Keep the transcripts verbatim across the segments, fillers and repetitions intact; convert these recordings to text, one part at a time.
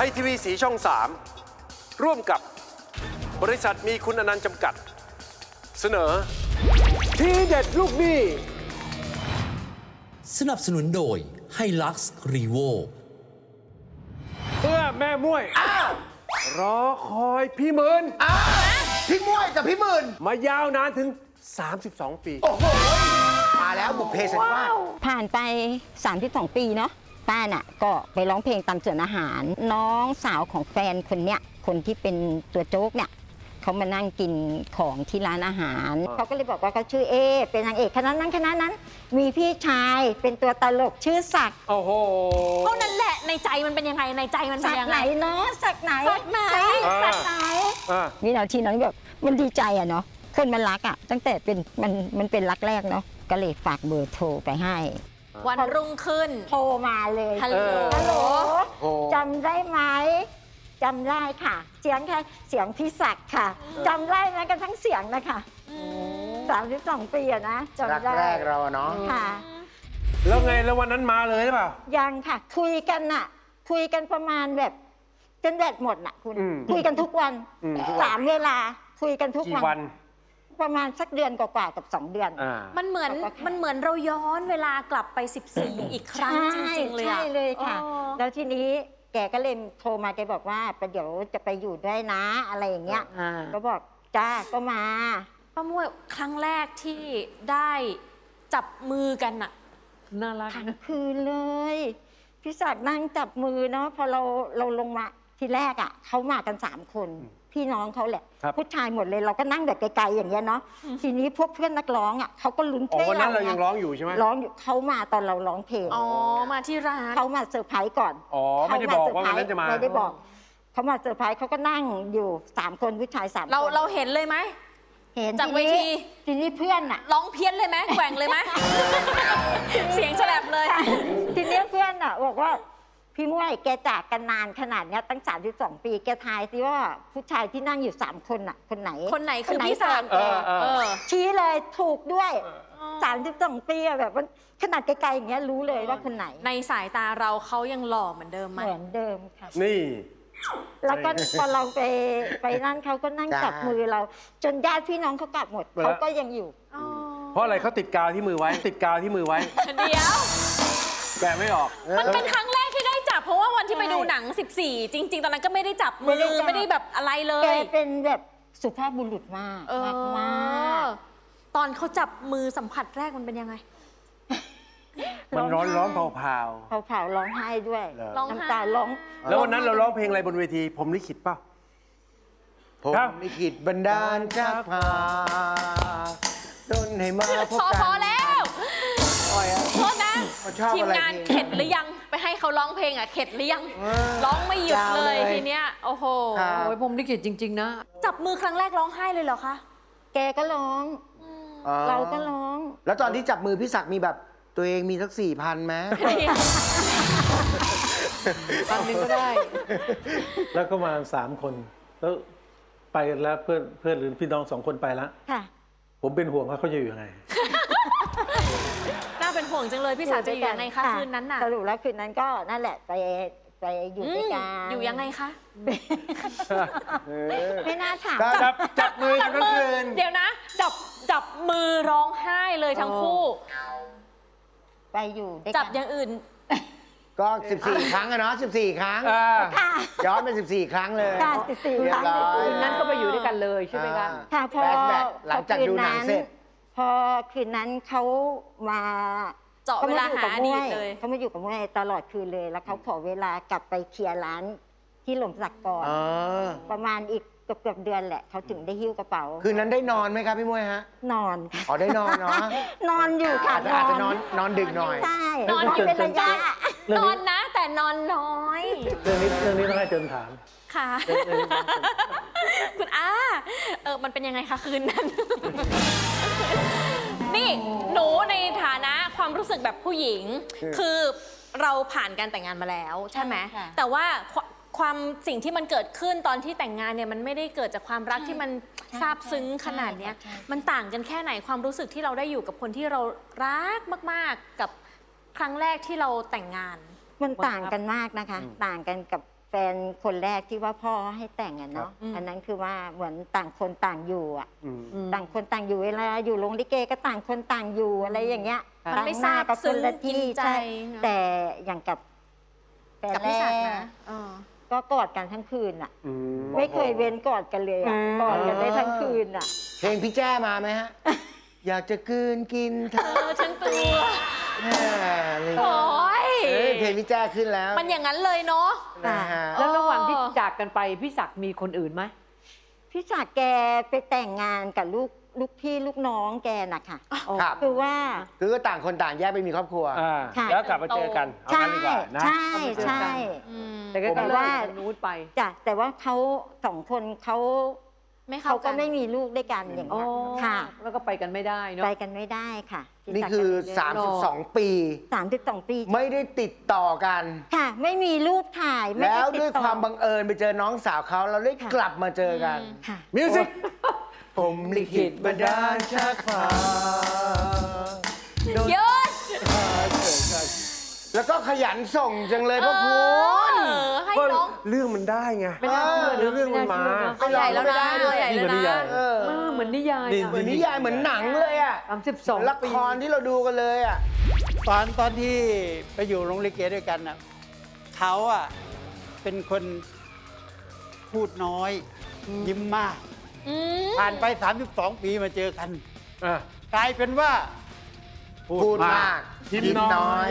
ยทีวีสีช่องสามร่วมกับบริษัทมีคุณอนันต์จำกัดเสนอทีเด็ดลูกหนี้สนับสนุนโดยไฮลักซ์รีโวเพื่อแม่ม้วยรอคอยพี่หมื่นพี่ม้วยกับพี่หมื่นมายาวนานถึงสามสิบสองปีโอ้โหมาแล้วบุพเพสันนิวาสผ่านไปสามสิบสองปีเนาะป้าน่ะก็ไปร้องเพลงตามสวนอาหารน้องสาวของแฟนคนเนี้ยคนที่เป็นตัวโจ๊กเนี่ยเขามานั่งกินของที่ร้านอาหารเขาก็เลยบอกว่าเขาชื่อเอเป็นนางเอกคณะนั้นคณะนั้นมีพี่ชายเป็นตัวตลกชื่อศักดิ์โอ้โหเท่านั้นแหละในใจมันเป็นยังไงในใจมันเป็นยังไงศักดิ์ไหนเนาะศักดิ์ไหนศักดิ์ไหนศักดิ์ไหนนี่เราทีนั้นแบบมันดีใจอะเนาะคนมันรักอะตั้งแต่เป็นมันมันเป็นรักแรกเนาะก็เลยฝากเบอร์โทรไปให้วันรุ่งขึ้นโทรมาเลยฮัลโหลฮัลโหลจำได้ไหมจำได้ค่ะเสียงแค่เสียงพี่ศักดิ์ค่ะจำได้ไหมกันทั้งเสียงนะคะสามสิบสองปีอะนะจำได้แรกเราเนาะค่ะแล้วไงแล้ววันนั้นมาเลยหรือเปล่ายังค่ะคุยกันน่ะคุยกันประมาณแบบจนแบตหมดน่ะคุณคุยกันทุกวันสามเวลาคุยกันทุกวันประมาณสักเดือนกว่าๆกับสองเดือนมันเหมือนมันเหมือนเราย้อนเวลากลับไปสิบสี่อีกครั้งจริงๆเลยใช่เลยค่ะแล้วทีนี้แกก็เลยโทรมาแกบอกว่าเดี๋ยวจะไปอยู่ด้วยนะอะไรอย่างเงี้ยก็บอกจ้าก็มาป้าม้วยครั้งแรกที่ได้จับมือกันน่ะน่ารักทั้งคืนเลยพี่ศักดิ์นั่งจับมือเนาะพอเราเราลงมาทีแรกอ่ะเขามากันสามคนพี่น้องเขาแหละผู้ชายหมดเลยเราก็นั่งแบบไกลๆอย่างเงี้ยเนาะทีนี้พวกเพื่อนนักร้องอ่ะเขาก็ลุ้นเพลงวันนั้นเรายังร้องอยู่ใช่ไหมร้องอยู่เขามาตอนเราร้องเพลงอ๋อมาที่ร้านเขามาเซอร์ไพรส์ก่อนอ๋อไม่ได้บอกว่าวันนั้นจะมาไม่ได้บอกเขามาเซอร์ไพรส์เขาก็นั่งอยู่สามคนผู้ชายสามคนเราเราเห็นเลยไหมเห็นจากเวทีทีนี้เพื่อนอ่ะร้องเพี้ยนเลยไหมแกว่งเลยไหมเสียงแฉลบเลยทีนี้เพื่อนอ่ะบอกว่าพี่ม้วยแกจากกันนานขนาดนี้ตั้งสามสิบสองปีแกทายสิว่าผู้ชายที่นั่งอยู่สามคนน่ะคนไหนคนไหนคือพี่ศักดิ์ชี้เลยถูกด้วยสามสิบสองปีแบบมันขนาดไกลๆอย่างเงี้ยรู้เลยว่าคนไหนในสายตาเราเขายังหล่อเหมือนเดิมไหมเหมือนเดิมค่ะนี่แล้วก็พอเราไปไปนั่นเขาก็นั่งจับมือเราจนญาติพี่น้องเขากลับหมดเขาก็ยังอยู่เพราะอะไรเขาติดกาวที่มือไว้ติดกาวที่มือไว้เดี๋ยวแกไม่ออกมันเป็นครั้งแรกที่ได้จับเพราะว่าวันที่ไปดูหนังสิบสี่จริงๆตอนนั้นก็ไม่ได้จับมือไม่ได้แบบอะไรเลยแกเป็นแบบสุภาพบุรุษมากมากตอนเขาจับมือสัมผัสแรกมันเป็นยังไงมันร้อนร้อนเผาเผาเผาเผาร้องไห้ด้วยน้ำตาร้องแล้ววันนั้นเราร้องเพลงอะไรบนเวทีผมลิขิตป่ะผมลิขิตบันดาลจากพาจนให้มาพบกันพอแล้วโทษนะทีมงานเข็ดหรือยังไปให้เขาร้องเพลงอ่ะเข็ดหรือยังร้องไม่หยุดเลยทีเนี้ยโอ้โหโอ้ยผมลิขิตจริงๆนะจับมือครั้งแรกร้องไห้เลยเหรอคะแกก็ร้องเราก็ร้องแล้วตอนที่จับมือพี่ศักดิ์มีแบบตัวเองมีสักสี่พันไหมพันหนึ่งก็ได้แล้วก็มาสามคนแล้วไปแล้วเพื่อนเพื่อนหรือพี่น้องสองคนไปแล้วผมเป็นห่วงว่าเขาจะอยู่ยังไงน่าเป็นห่วงจังเลยพี่สาวจะอยู่ยังไงคะคืนนั้นน่ะสรุปแล้วคืนนั้นก็นั่นแหละไปไปอยู่ด้วยกันอยู่ยังไงคะไม่น่าถามจับจับมือกันคืนเดี๋ยวนะจับจับมือร้องไห้เลยทั้งคู่ไปอยู่จับอย่างอื่นก็สิบสี่ครั้งอะเนาะสิบสี่ครั้งย้อนไปสิบสี่ครั้งเลยค่ะสิบสี่ครั้งคืนนั้นก็ไปอยู่ด้วยกันเลยใช่ไหมคะค่ะพอหลังจากดูหนังเสร็จพอคืนนั้นเขามาเจาะเวลาหาอดีตเลยเขามาอยู่กับม้วยตลอดคืนเลยแล้วเขาขอเวลากลับไปเคลียร์ร้านที่หล่มสักก่อนประมาณอีกเกือบเดือนแหละเขาถึงได้หิ้วกระเป๋าคืนนั้นได้นอนไหมครับพี่ม้วยฮะนอนอ๋อได้นอนเนาะนอนอยู่ค่ะอาจจะนอนนอนดึกหน่อยใช่นอนเป็นระยะนอนนะแต่นอนน้อยเรื่องนี้เรื่องนี้ต้องให้เจินถามค่ะคุณอาเออมันเป็นยังไงคะคืนนั้นนี่หนูในฐานะความรู้สึกแบบผู้หญิงคือเราผ่านการแต่งงานมาแล้วใช่ไหมแต่ว่าความสิ่งที่มันเกิดขึ้นตอนที่แต่งงานเนี่ยมันไม่ได้เกิดจากความรักที่มันซาบซึ้งขนาดนี้มันต่างกันแค่ไหนความรู้สึกที่เราได้อยู่กับคนที่เรารักมากๆกับครั้งแรกที่เราแต่งงานมันต่างกันมากนะคะต่างกันกับแฟนคนแรกที่ว่าพ่อให้แต่งอะเนาะอืมอันนั้นคือว่าเหมือนต่างคนต่างอยู่อะอืมอืมต่างคนต่างอยู่เวลาอยู่โรงลิเกก็ต่างคนต่างอยู่อะไรอย่างเงี้ยมันไม่ต่งหน้ซาบก็ซึ้คนงละกินที่ใจใช่นะแต่อย่างกับแฟนกับแรพี่ศักดิ์กนะเออก็กอดกันทั้งคืนอะอืมไม่เคยเว้นกอดกันเลยอะกอดกันได้ทั้งคืนอะเพลงพี่แจ้มาไหมฮะ อยากจะกลืนกินเอทั้งอทั้งตัวแม่เลยโอ้ยเอ้ยเพลงพี่แจ้ขึ้นแล้วมันอย่างนั้นเลยเนาะนะฮะแล้วระหว่างที่จากกันไปพี่ศักดิ์มีคนอื่นไหมพี่ศักดิ์แกไปแต่งงานกับลูกลูกพี่ลูกน้องแกนะคะครับคือว่าคือก็ต่างคนต่างแยกไปมีครอบครัวอ่าค่ะแล้วกลับมาเจอกันเอาใช่งั้นดีกว่านะใช่ใช่อืมแต่ก็แต่เลิกว่าทางนู้นไปจ้ะแต่ว่าเขาสองคนเขาไม่เข้าเขากัก็นไม่มีลูกด้วยกันอย่างอ๋อเงี้ยค่ะแล้วก็ไปกันไม่ได้เนาะไปกันไม่ได้ค่ะพี่นี่ศักดิ์คือก็เลยสามสิบสอง ปีสามสิบสองปีไม่ได้ติดต่อกันค่ะ ไม่มีรูปถ่ายไม่แล้ได้วติด้วยต่อความบังเอิญไปเจอน้องสาวเขาเราได้ค่ะกลับมาเจอกันค่ะมิวสิกผมลิขิตบันดาลชักพาโดนหยุดพาเจอกันแล้วก็ขยันส่งจังเลยเอพ่อคุณอให้ก็น้องเรื่องมันได้ไงไม่น่าเชื่อเออเรื่องมันมาเอาใหญ่แล้วนะเอาใหญ่แล้วนี่มันนิยานะยเออเออเหมือนนิยายนี่อะเหมือนนิยายเหมือนหนังเลยอ่ะสามสิบสองละครที่เราดูกันเลยอ่ะตอนตอนที่ไปอยู่โรงลิเกด้วยกันน่ะเขาอ่ะเป็นคนพูดน้อย ยิ้มมากอืมผ่านไป สามสิบสอง ปีมาเจอกันอ่ะกลายเป็นว่าพูดมากยิ้มน้อย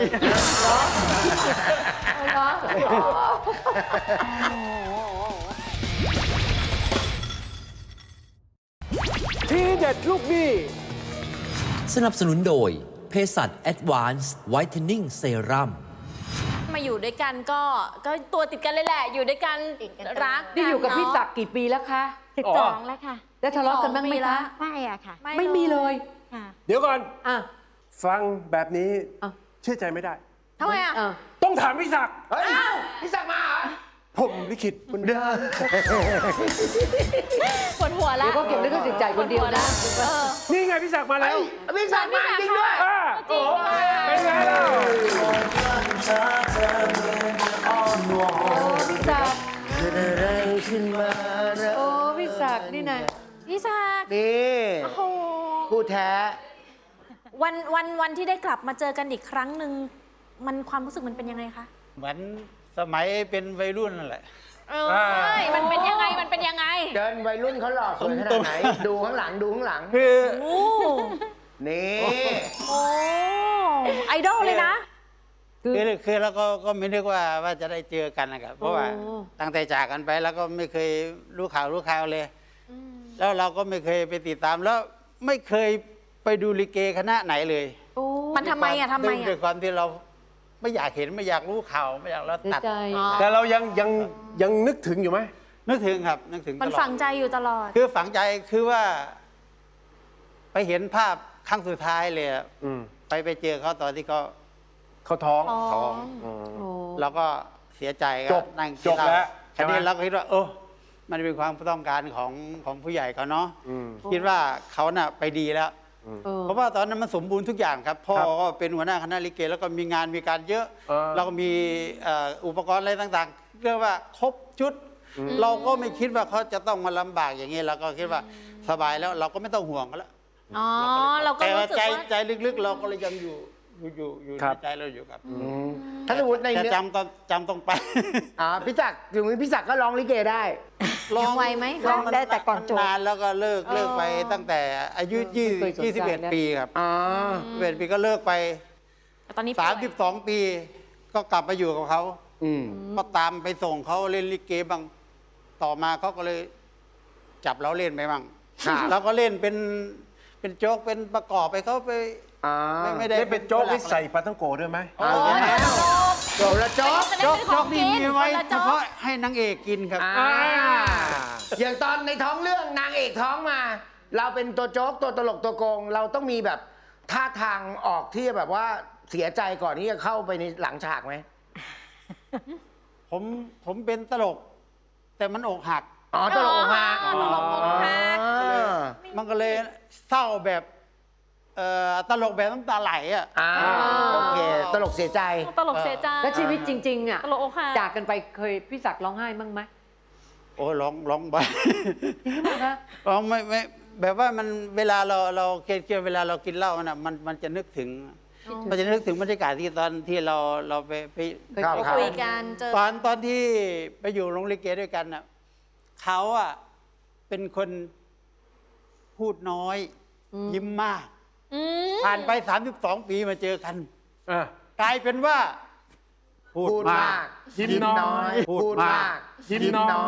ทีเด็ดลูกหนี้สนับสนุนโดยเภสัช Advanced Whitening Serum มาอยู่ด้วยกันก็ก็ตัวติดกันเลยแหละ อยู่ด้วยกันติดกันรักนี่อยู่กับเนะพี่ศักดิ์กี่ปีแล้วคะสิบสองแล้วค่ะแล้วทะเลาะกันบ้างไหมสองปีละคะไม่อะค่ะไม่มีเลยค่ะเดี๋ยวก่อนอ่ะฟังแบบนี้อ่ะเชื่อใจไม่ได้ทำไมอ่ะอ่ะต้องถามพี่ศักดิ์เฮ้ยพี่ศักดิ์มาเหรอผมลิขิตบันดาลปวดหัวแล้วเดี๋ยวก็เก็บลิขสิทธิ์จ่ายคนเดียวนะเออนี่ไงพี่ศักดิ์มาแล้วพี่ศักดิ์มาจริงด้วยอ่ะจริงด้วยเป็นไงล่ะโอ้พี่ศักดิ์เกิดอะไรขึ้นมาเราโอ้พี่ศักดิ์นี่นะพี่ศักดิ์นี่โอ้โหคู่แท้วันวันวันที่ได้กลับมาเจอกันอีกครั้งหนึ่งมันความรู้สึกมันเป็นยังไงคะเหมือนสมัยเป็นวัยรุ่นนั่นแหละเออมันเป็นยังไงมันเป็นยังไงเดินวัยรุ่นเขาหล่อสวยขนาดไหน ดูข้างหลังดูข้างหลังคือโอ้นี่โอ้ไอดอลเลยนะคือคือคือเราก็ก็ไม่นึกว่าว่าจะได้เจอกันนะครับเพราะว่าโอ้ตั้งแต่จากกันไปแล้วก็ไม่เคยรู้ข่าวรู้ข่าวเลย แล้วเราก็ไม่เคยไปติดตามแล้วไม่เคยไปดูลิเกคณะไหนเลยโอ้มันทำไมอ่ะทำไมด้วยด้วยอ่ะความที่เราไม่อยากเห็นไม่อยากรู้ข่าวไม่อยากเราเสียตัดใจอ๋อแต่เรายังยังยังนึกถึงอยู่ไหมนึกถึงครับนึกถึงมันตลอดฝังใจอยู่ตลอดคือฝังใจคือว่า ไปเห็นภาพครั้งสุดท้ายเลยอะอืมไปไปเจอเขาตอนที่เขาเขาท้องท้องอืมโอ้เราก็เสียใจก็จบนั่งจบแล้วใช่ทีไหมนี้เราก็คิดว่า เออมันเป็นความต้องการของของผู้ใหญ่เขาเนาะอืมคิดว่าเขาน่ะไปดีแล้วเออเพราะว่าตอนนั้นมันสมบูรณ์ทุกอย่างครับ พ่อครับก็เป็นหัวหน้าคณะลิเก แล้วก็มีงานมีการเยอะเออแล้วก็มีเอ่ออุปกรณ์อะไรต่างๆเรียกว่าครบชุด เราก็ไม่คิดว่าเขาจะต้องมาลำบากอย่างนี้เราก็คิดว่าสบายแล้วเราก็ไม่ต้องห่วงเขาแล้วอ๋อ เราก็แต่รู้ว่าสึกใจว่าใจลึกๆ เราก็เลยยังอยู่อยู่อยู่อยู่ครัในบใจเราอยู่ครับถ้าสมมติในแต่เนื้อจำต้องจำต้องไปอ่าพี่ศักดิ์ถึงพี่ศักดิ์ก็ร้องลิเกได้ยังไวไหมร้องได้แต่ก่อนจบนานแล้วก็เลิกเลิกไปตั้งแต่อายุยี่ไม่เคยสนใจยี่สิบเอ็ดนะปีครับอ๋อยี่สิบเอ็ดปีก็เลิกไปแต่ตอนนี้สามสิบสองปี ก็กลับมาอยู่กับเขาอืมก็ตามไปส่งเขาเล่นลิเกบ้างต่อมาเขาก็เลยจับเราเล่นไปบ้างครับเราก็เล่นเป็นเป็นโจ๊กเป็นประกอบไปเขาไปอ่าไม่ไม่ได้ได้เป็นโจ๊กหลัที่ใส่ปลาท่องโกด้วยไหมเอาโอ้อย่างยนี้โจ๊กโจละโจ๊กโจ๊กจะได้เป็นขโจ๊อก งนี่กินมีไว้คนละเฉโจ๊กพาะให้นางเอกกินครับอ่าอย่างตอนในท้องเรื่องนางเอกท้องมา เราเป็นตัวโจ๊กตัวตลกตัวโกง เราต้องมีแบบท่าทางออกที่แบบว่าเสียใจก่อนที่จะเข้าไปในหลังฉากไหมผมผมเป็นตลก แต่มันอกหักอ๋อตลกอกหักอ๋อตลกอกหักอ๋อมันก็เลยเศร้าแบบเอ่อตลกแบบน้ำตาไหลอ่ะอ่าโอเคตลกเสียใจตลกเสียใจแล้วชีวิตจริงๆอ่ะตลกอกหักจากกันไปเคยพี่ศักดิ์ร้องไห้บ้างไหมโอ้ยร้องร้องไปจริงหรือเปล่าคะร้องไม่ไม่แบบว่ามันเวลาเราเราเครียดเครียดเวลาเรากินเหล้าน่ะมันมันจะนึกถึง มันจะนึกถึงบรรยากาศที่ตอนที่เราเราไปไปครับไปคุยกันเจอตอนตอนที่ไปอยู่โรงลิเกด้วยกันน่ะเขาอ่ะเป็นคนพูดน้อยยิ้มมากอืมผ่านไปสามสิบสองปีมาเจอกันอ่ะกลายเป็นว่า พูดพูดมามาก กยิ้มน้อยพูพูดดมามาก กยิ้มน้อย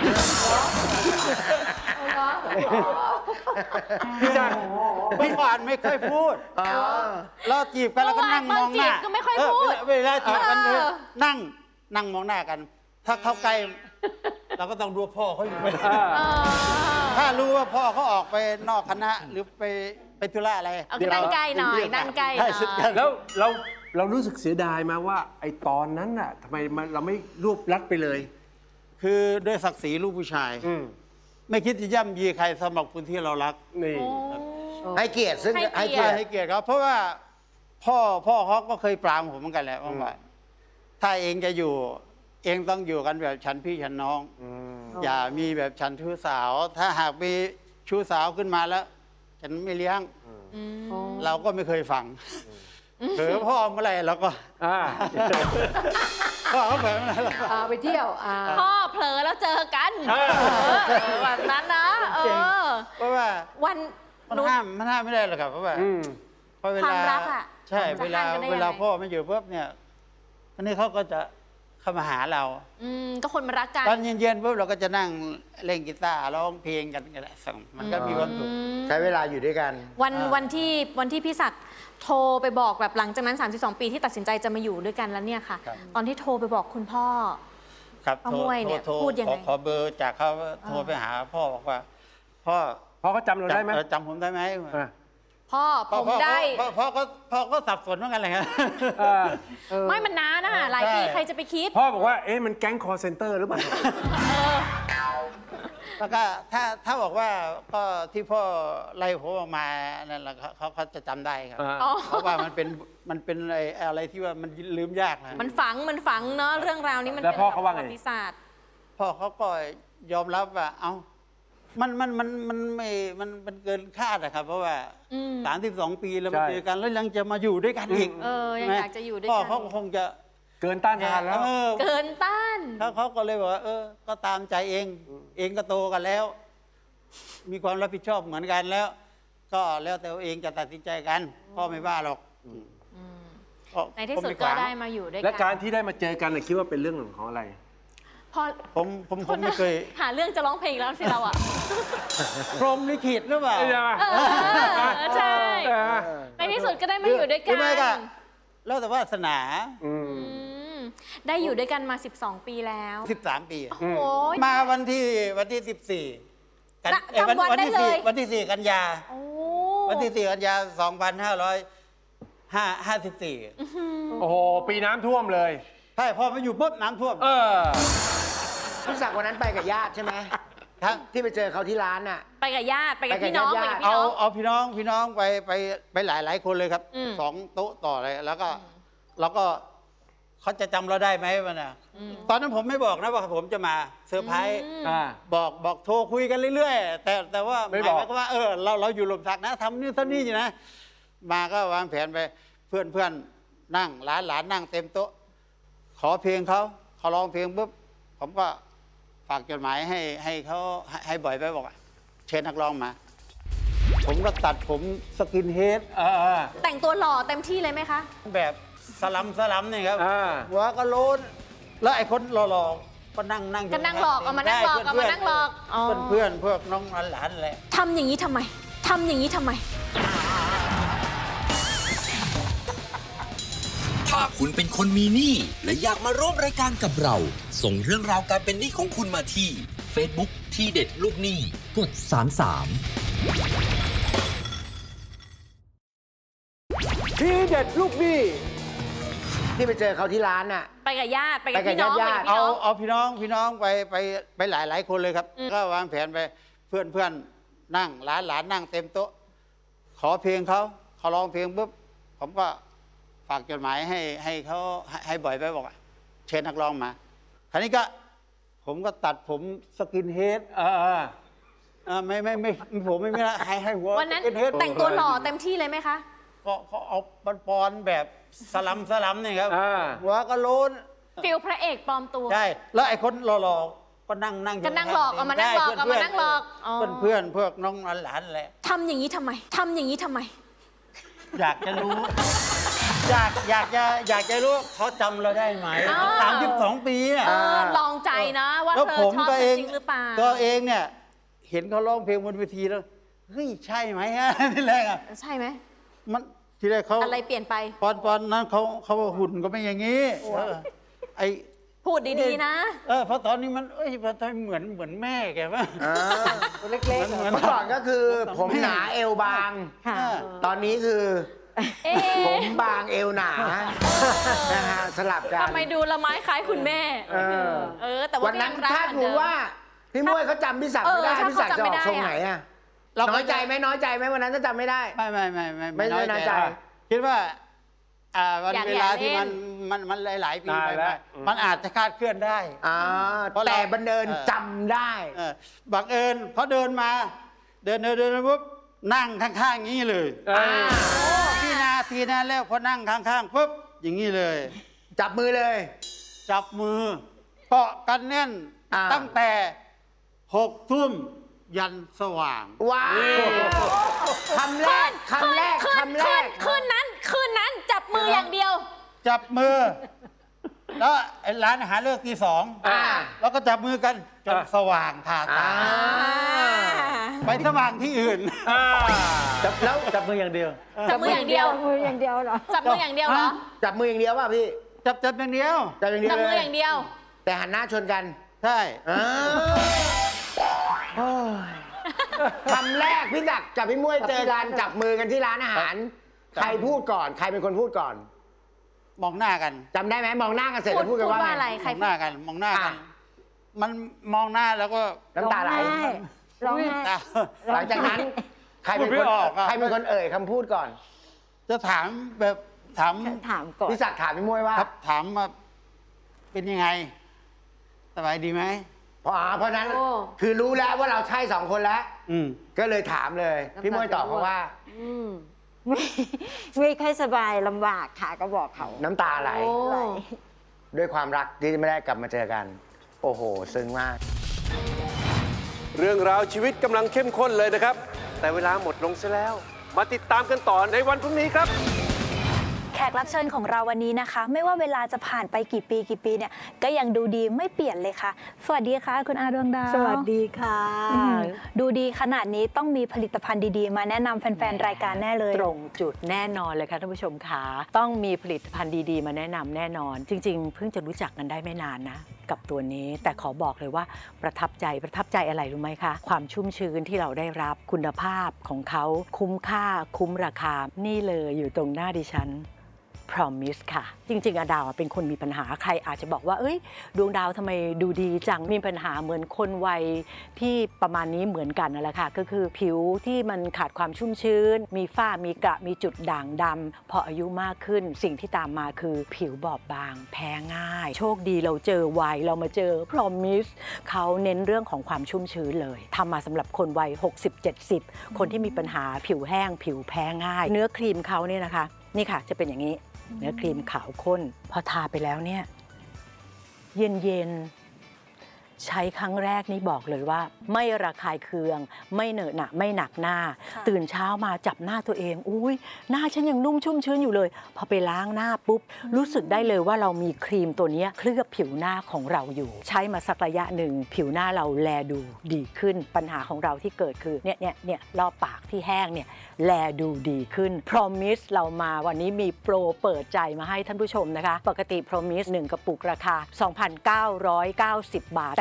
พี่จักรเมื่อก่อนไม่เคยพูดอ๋อเราจีบกันแล้วก็นั่งมองหน้าตอนจีบก็ไม่ค่อยพูดเเวลาจีบกันเออนั่งนั่งมองหน้ากัน ถ้าเข้าใกล้เราก็ต้องดูว่าพ่อเขาอยู่ไหมเออถ้ารู้ว่าพ่อเขาออกไปนอกคณะหรือไปไปธุระอะไรเอานั่งใกล้หน่อยนั่งใกล้หน่ใช่อยสุดกันแล้วเราเรารู้สึกเสียดายไหมาว่า ไอ้ตอนนั้นน่ะทำไมมันเราไม่รวบรัดไปเลยคือด้วยศักดิ์ศรีลูกผู้ชายอืมไม่คิดจะย่ำยีใครสำหรับคนที่เรารักนี่ให้เกียรติซึ่งให้เกียรติให้เกียรติให้เกียรติเขาเพราะว่าพ่อพ่อเขาก็เคยปรามผมเหมือนกันแหละว่าถ้าเองจะอยู่ เองต้องอยู่กันแบบฉันพี่ฉันน้อง อย่ามีแบบฉันชู้สาว ถ้าหากมีชู้สาวขึ้นมาแล้ว ฉันไม่เลี้ยง เราก็ไม่เคยฟังเผลอพ่อเมื่อไหร่เราก็อ่าพ่อเขาเผลอเมื่อไหร่เราก็อ่าไปเที่ยวอ่าพ่อเผลอแล้วเจอกันเออเออแบบนั้นนะ เอเก่งอเพราะว่าวันมันหนูห้ามมันห้ามไม่ได้หรอกครับเพราะว่าอืมเพราะเวควาลามรักอะใช่จะเวลาห้ามกันได้ยังไงเวลาพ่อไม่อยู่ปุ๊บเนี่ยอันนี้เขาก็จะเข้ามาหาเราอืมก็คนมารักกันตอนเย็นๆปุ๊บเราก็จะนั่งเล่นกีตาร์ร้องเพลงกันกันแหละส่งมันก็มีความสุขใช้เวลาอยู่ด้วยกันวันอ่าวันที่วันที่พี่ศักดิ์โทรไปบอกแบบหลังจากนั้น สามสิบสอง ปีที่ตัดสินใจจะมาอยู่ด้วยกันแล้วเนี่ยค่ะ ตอนที่โทรไปบอกคุณพ่อครับป้าม่วยเนี่ยโทรพูดยังไงขอขอเบอร์จากเขาโทรไปหาพ่อบอกว่า พ่อพ่อเขาจำเราได้ไหมเออจำผมได้ไหมอ่ะพ่อพ่อผมพ่อได้พ่อพ่อก็พ่อก็สับสนเหมือนกันเลยครับอ่าไม่มันนานนะหลายปีใช่ใครจะไปคิดพ่อบอกว่า เอ๊ะ มันแก๊งคอร์เซนเตอร์หรือเปล่าแล้วก็ถ้าถ้าบอกว่าก็ที่พ่อไล่ผมออกมานั่นแหละเขาเขาเขาจะจำได้ครับอ่าอ๋อเพราะว่ามันเป็นมันเป็นอะไรอะไรที่ว่ามันลืมยากนะมันฝังมันฝังเนาะเรื่องราวนี้มันแล้วเป็นพ่อเขาว่าไงประวัติศาสตร์พ่อเขาก็ยอมรับว่า เอ้ามันมันมันมันไม่มันมันเกินคาดอะครับ เพราะว่าอืมสามสิบสองปีแล้วใช่มาเจอกันแล้วยังจะมาอยู่ด้วยกันอีกเออยังใช่ไหมอยากจะอยู่ด้วยพ่อกันเขาคงจะเกินต้านทานแล้วเออเกินต้านเขาเขาก็เลยบอกว่า เออ ก็ตามใจเอง เองก็โตกันแล้ว มีความรับผิดชอบเหมือนกันแล้ว ก็แล้วแต่เองจะตัดสินใจกัน พ่อไม่ว่าหรอกก็ในที่สุดผมก็ขวางได้มาอยู่ด้วยและกัการที่ได้มาเจอกันน่ะคิดว่าเป็นเรื่องหนึ่งของอะไรพอผมผมผมไม่เคยหาเรื่องจะร้องเพลงแล้วสิเราอ่ะพรหมลิขิตหรือเปล่าใช่ไหมเออใช่เออในที่สุดก็ได้มาอยู่ด้วยกัหรืนอไม่ก็แล้วแต่วาสนาอืมอืมได้อยู่ด้วยกันมา สิบสอง ปีแล้วสิบสามปีโอ้ยมาวันที่วันที่สิบสี่กันน่ะเอ้ยจำวันได้ที่เลยสี่วันที่สี่กันยาโอ้วันที่สี่กันยาสองพันห้าร้อยห้าห้าสิบสี่โอ้โห ปีน้ำท่วมเลยใช่พอมาอยู่ปุ๊บน้ำท่วมเออพี่ศักดิ์วันนั้นไปกับญาติใช่ไหมทั้งที่ไปเจอเขาที่ร้านน่ะไปกับญาติไปกับไปกับพี่น้องญาไปติกับพี่เอาน้องเอาพี่น้องพี่น้องไปไปไปหลายหลายคนเลยครับอืมสองโต๊ะต่อเลยแล้วก็แล้วก็เขาจะจำเราได้ไหมวะน่ะตอนนั้นผมไม่บอกนะว่าผมจะมาเซอร์ไพรส์อ่าบอกบอกโทรคุยกันเรื่อยๆ แต่แต่ว่าไม่หบอกมายความว่าเออเราเราอยู่หลมสักนะทำนี่ทำนี่อยู่นะ มาก็วางแผนไปเพื่อนเพื่อนนั่งหลานหลานนั่งเต็มโต๊ะ ขอเพลงเขาเขาร้องเพลงปุ๊บผมก็ฝากจดหมายให้ให้เขาให้ให้บ่อยไปบอกว่าเชิญนักร้องมา ผมก็ตัดผมสกินเฮดเออเออแต่งตัวหล่อเต็มที่เลยไหมคะแบบสลัมสลัมนี่ครับอ่าหัวก็โลนแล้วไอ้คนหล่อๆก็นั่งนั่งอยู่ก็นั่งหลอกเอามานั่งหลอกเอามานั่งหลอกอ๋อเพื่อนเพื่อนพวกน้องหลานๆอะไรทำอย่างนี้ทำไมทำอย่างนี้ทำไมถ้าคุณเป็นคนมีหนี้และอยากมาร่วมรายการกับเรา ส่งเรื่องราวการเป็นหนี้ของคุณมาที่ Facebook ที่เด็ดลูกหนี้กดสามสามทีเด็ดลูกหนี้ที่ไปเจอเขาที่ร้านน่ะไปกับญาติไปกับไปกับพี่น้องไปญากับติพี่เอาน้องเอาพี่น้องพี่น้องไปไปไปหลายหลายคนเลยครับอืมก็วางแผนไปเพื่อนเพื่อนนั่งหลานหลานนั่งเต็มโต๊ะ ขอเพลงเขาเขาเขาร้องเพลงปุ๊บผมก็ฝากจดหมายให้ให้เขาให้ให้บ่อยไปบอกว่าเชิญนักร้องมาคราวนี้ก็ผมก็ตัดผมสกินเฮดเออเอออ่าไม่ไม่ไม่ไม่ผมไม่ไม่ละให้ให้หัววันนั้นสกินเฮดแต่งตัวหล่อเต็มที่เลยไหมคะก็เขาเอาปอนปอนๆแบบสลัมสลัมนี่ครับอ่าหัวก็โล้นฟิลพระเอกปลอมตัวใช่แล้วไอ้คนหล่อๆก็นั่งนั่งยู่ก็นั่งหลอกเอามานั่งหลอกใช่เอามานั่งหลอกอ๋อเพื่อนเพื่อนเพื่อนน้องหลานๆแหละทำอย่างนี้ทำไมทำอย่างนี้ทำไมอยากจะรู้ อยากอยากจะอยากจะรู้ว่าเขาจำเราได้ไหมอ้าวสามสิบสองปีอ่ะเออลองใจนะว่าแล้วเธอผมชอบก็ฉัเอน งจริงหรือเปล่าตัวเองเนี่ย เห็นเขาร้องเพลงบนเวทีแล้วเฮ้ยใช่ไหมฮะ ที่แรกอ่ะใช่ไหมมันที่แรกเขาอะไรเปลี่ยนไปปอนปอนนั้นเขาเขาหุ่นก็ไม่อย่างนี้เออไอพูดดีๆนะเออเพราะตอนนี้มันเอ้ยพอตอนเหมือนเหมือนแม่แกป่ะอ่าตัวเล็กๆเหมือนเมื่อก่อนก็คือผมหนาเอวบางค่ะตอนนี้คือเอ๊ผมบางเอวหนานะฮะสลับกันทำไมดูละไม้คล้ายคุณแม่เออเออ แต่ว่าวันนั้นก็ยังรักถ้าเหมือนดูเดิมว่าพี่มวยเขาจำพี่ศักดิ์ไม่ได้เออถ้าพี่ศักดิ์จะออกเขาจำไม่ได้ทรงไหนอะน้อยใจไหมน้อยใจไหมวันนั้นถ้าจำไม่ได้ไม่ไม่ไม่ไม่ไม่ไม่น้อยใจคิดว่าอ่าวันอยากเวลาอยากที่เล่มันนมันมันหลายๆปีนานไปแล้วๆมันอาจจะคลาดเคลื่อนได้อ่าเพราะเราแต่บันเดินเออจำได้เออบังเอิญพอเดินมา เดินเดินเดินปุ๊บนั่งข้างๆอย่างนี้เลยเออที่นาทีนั้นแล้วพอนั่งข้างๆปุ๊บอย่างนี้เลยจับมือเลยจับมือเกาะกันแน่นอ่าตั้งแต่หกทุ่มยันสว่างว้าวคำแรกคำแรกคืนคำแรคืกนคืนนั้นคืนนั้นจับมืออย่างเดียวจับมือ แล้วไอ้ร้านอาหารเลิกตีสองอ่าแล้วก็จับมือกันจนอ่าสว่างทาตาอ่าไปสว่างที่อื่นอ่าจับแล้วจับมืออย่างเดียวจับมืออย่างเดียวมืออย่างเดียวเหรอจับมืออย่างเดียวเหรอจับมืออย่างเดียวป่ะพี่จับจับอย่างเดียวจับอย่างเดียจัวบเลมือย อย่างเดียวแต่หันหน้าชนกันใช่อ่าโอ้ยคำแรกพี่จักรกับพี่มวยเจอกันจับมือกันที่ร้านอาหาร ใครพูดก่อน ใครเป็นคนพูดก่อนมองหน้ากันจำได้ไหมมองหน้ากันเสร็จพูดแล้วพูดกันพูดว่าว่าอะไรไงใครมองหน้ากัน มองหน้ากันอ่ะมันมองหน้าแล้วก็น้ำตาไหลร้องไห้ตาหลังจากนั้น ใครเป็นพูดคไม่นออกอะใครเป็นคนเอ่ยคำพูดก่อนจะถามแบบถามถามก่อนพี่ศักดิ์ถามพี่มวยว่าครับถามว่าเป็นยังไง สบายดีไหมเพราะอ่าเพราะฉะนั้นโอ้คือรู้แล้วว่าเราใช่สองคนแล้วอืมก็เลยถามเลย พี่มวยตอบเขาว่าอืมไม่ไม่ค่อยสบายลำบากค่ะก็บอกเขาน้ำตาไหลโอ้ไหลด้วยความรักที่ไม่ได้กลับมาเจอกัน โอ้โห ซึ้งมากเรื่องราวชีวิตกำลังเข้มข้นเลยนะครับ แต่เวลาหมดลงซะแล้ว มาติดตามกันต่อในวันพรุ่งนี้ครับแขกรับเชิญของเราวันนี้นะคะ ไม่ว่าเวลาจะผ่านไปกี่ปีกี่ปีเนี่ยก็ยังดูดีไม่เปลี่ยนเลยค่ะ สวัสดีค่ะ คุณอาดวงดาวสวัสดีค่ะอืมดูดีขนาดนี้ต้องมีผลิตภัณฑ์ดีๆ มาแนะนำแฟนๆ รายการแน่เลยตรงจุดแน่นอนเลยค่ะท่านผู้ชมค่ะต้องมีผลิตภัณฑ์ดีๆ มาแนะนำแน่นอน จริงๆ เพิ่งจะรู้จักกันได้ไม่นานนะ กับตัวนี้แต่ขอบอกเลยว่าประทับใจประทับใจอะไรรู้ไหมคะ ความชุ่มชื้นที่เราได้รับคุณภาพของเขาคุ้มค่าคุ้มราคานี่เลยอยู่ตรงหน้าดิฉันPromise ค่ะ จริงๆอะดาวอะเป็นคนมีปัญหาใครอาจจะบอกว่าเอ้ยดวงดาวทำไมดูดีจังมีปัญหาเหมือนคนวัยที่ประมาณนี้เหมือนกันนั่นแหละค่ะก็คือผิวที่มันขาดความชุ่มชื้น มีฝ้ามีกระมีจุดด่างดำพออายุมากขึ้นสิ่งที่ตามมาคือผิวบอบบาง แพ้ง่าย โชคดีเราเจอวัยเรามาเจอ Promise เขาเน้นเรื่องของความชุ่มชื้นเลยทำมาสำหรับคนวัย หกสิบ เจ็ดสิบ คนที่มีปัญหาผิวแห้ง ผิวแพ้ง่าย เนื้อครีมเขาเนี่ยนะคะนี่ค่ะจะเป็นอย่างนี้เนื้อครีมขาวข้นพอทาไปแล้วเนี่ยเย็นเย็นๆใช้ครั้งแรกนี่บอกเลยว่า ไม่ระคายเคืองไม่เหนอะหนะไม่หนักหน้าค่ะตื่นเช้ามาจับหน้าตัวเองอุ้ยหน้าฉันยังนุ่มชุ่มชื้นอยู่เลยพอไปล้างหน้าปุ๊บรู้สึกได้เลยว่าเรามีครีมตัวเนี้ยเคลือบผิวหน้าของเราอยู่ ใช้มาสักระยะหนึ่งผิวหน้าเราแลดูดีขึ้นปัญหาของเราที่เกิดคือเนี่ยเนี่ยเนี่ยรอบปากที่แห้งเนี่ยแลดูดีขึ้น Promise เรามาวันนี้มีโปรเปิดใจมาให้ท่านผู้ชมนะคะ ปกติ Promise หนึ่งกระปุกราคา สองพันเก้าร้อยเก้าสิบ บาท แต่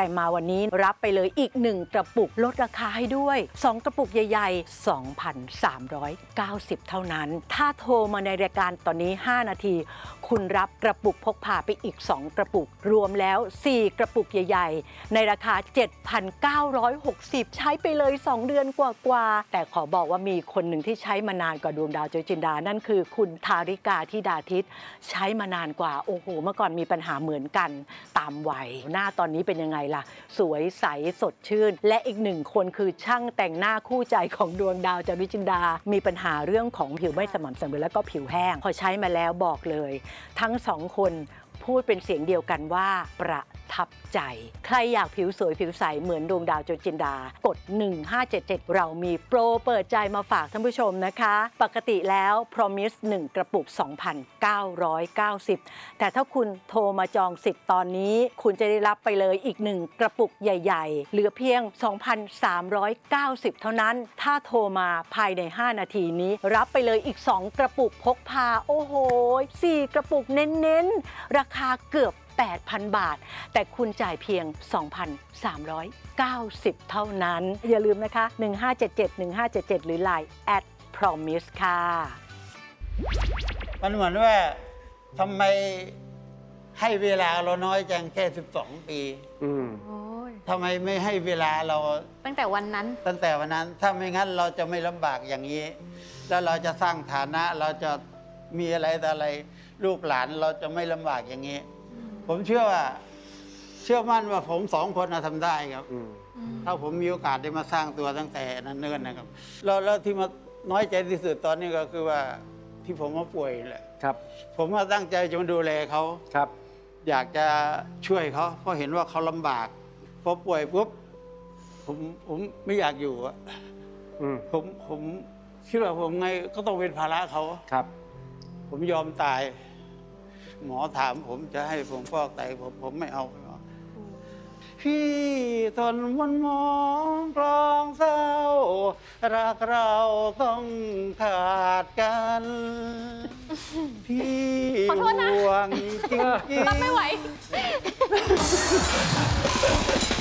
แต่มาวันนี้รับไปเลยอีกหนึ่งกระปุกลดราคาให้ด้วยสองกระปุกใหญ่ๆ สองพันสามร้อยเก้าสิบ เท่านั้นถ้าโทรมาในรายการตอนนี้ห้านาทีคุณรับกระปุกพกพาไปอีกสองกระปุกรวมแล้วสี่กระปุกใหญ่ๆในราคา เจ็ดพันเก้าร้อยหกสิบ ใช้ไปเลยสองเดือนกว่าๆแต่ขอบอกว่ามีคนหนึ่งที่ใช้มานานกว่าดวงดาวจอยจินดานั่นคือคุณธาริกาธิดาทิตใช้มานานกว่าโอ้โหเมื่อก่อนมีปัญหาเหมือนกันตามวัยหน้าตอนนี้เป็นยังไงล่ะสวยใสสดชื่นและอีกหนึ่งคนคือช่างแต่งหน้าคู่ใจของดวงดาวจอยจินดามีปัญหาเรื่องของผิวไม่สม่ำเสมอแล้วก็ผิวแห้งพอใช้มาแล้วบอกเลยทั้งสองคนพูดเป็นเสียงเดียวกันว่าประทับใจใครอยากผิวสวยผิวใสเหมือนดวงดาวจอยจินดากดหนึ่งห้าเจ็ดเจ็ดเรามีโปรเปิดใจมาฝากท่านผู้ชมนะคะปกติแล้ว Promise หนึ่งกระปุก สองพันเก้าร้อยเก้าสิบ แต่ถ้าคุณโทรมาจองสิทธิ์ตอนนี้คุณจะได้รับไปเลยอีกหนึ่งกระปุกใหญ่ๆเหลือเพียง สองพันสามร้อยเก้าสิบ เท่านั้นถ้าโทรมาภายในห้านาทีนี้รับไปเลยอีกสองกระปุกพกพาโอ้โหสี่กระปุกเน้นๆราคาเกือบแปดพัน บาทแต่คุณจ่ายเพียง สองพันสามร้อยเก้าสิบ เท่านั้นอย่าลืมนะคะหนึ่งห้าเจ็ดเจ็ด หนึ่งห้าเจ็ดเจ็ดหรือ ไลน์ แอท พรอมิส ค่ะมันเหมือนว่าทำไมให้เวลาเราน้อยจังแค่สิบสองปีอืมทำไมไม่ให้เวลาเราตั้งแต่วันนั้นตั้งแต่วันนั้นถ้าไม่งั้นเราจะไม่ลำบากอย่างนี้ แล้วเราจะสร้างฐานะเราจะมีอะไรแต่อะไรลูกหลานเราจะไม่ลำบากอย่างนี้ ผมเชื่อว่าเชื่อมั่นว่าผมสองคนทำได้ครับอืมถ้าผมมีโอกาสได้มาสร้างตัวตั้งแต่นั้นเนิ่นนะครับแล้วแล้วที่มาน้อยใจที่สุดตอนนี้ก็คือว่าที่ผมมาป่วยแหละครับผมมาตั้งใจจะมาดูแลเขาครับอยากจะช่วยเขาเพราะเห็นว่าเขาลำบากพอป่วยปุ๊บผมผมไม่อยากอยู่อะอืมผมผมคิดว่าผมไงก็ต้องเป็นภาระเขาครับผมยอมตาย หมอถามผมจะให้ผมฟอกไตผมผมไม่เอาไม่เอาพี่ทนมันมองกลองเศร้ารักเราต้องขาดกัน พี่ขอโทษนะห่วงจริงๆรับไม่ไหว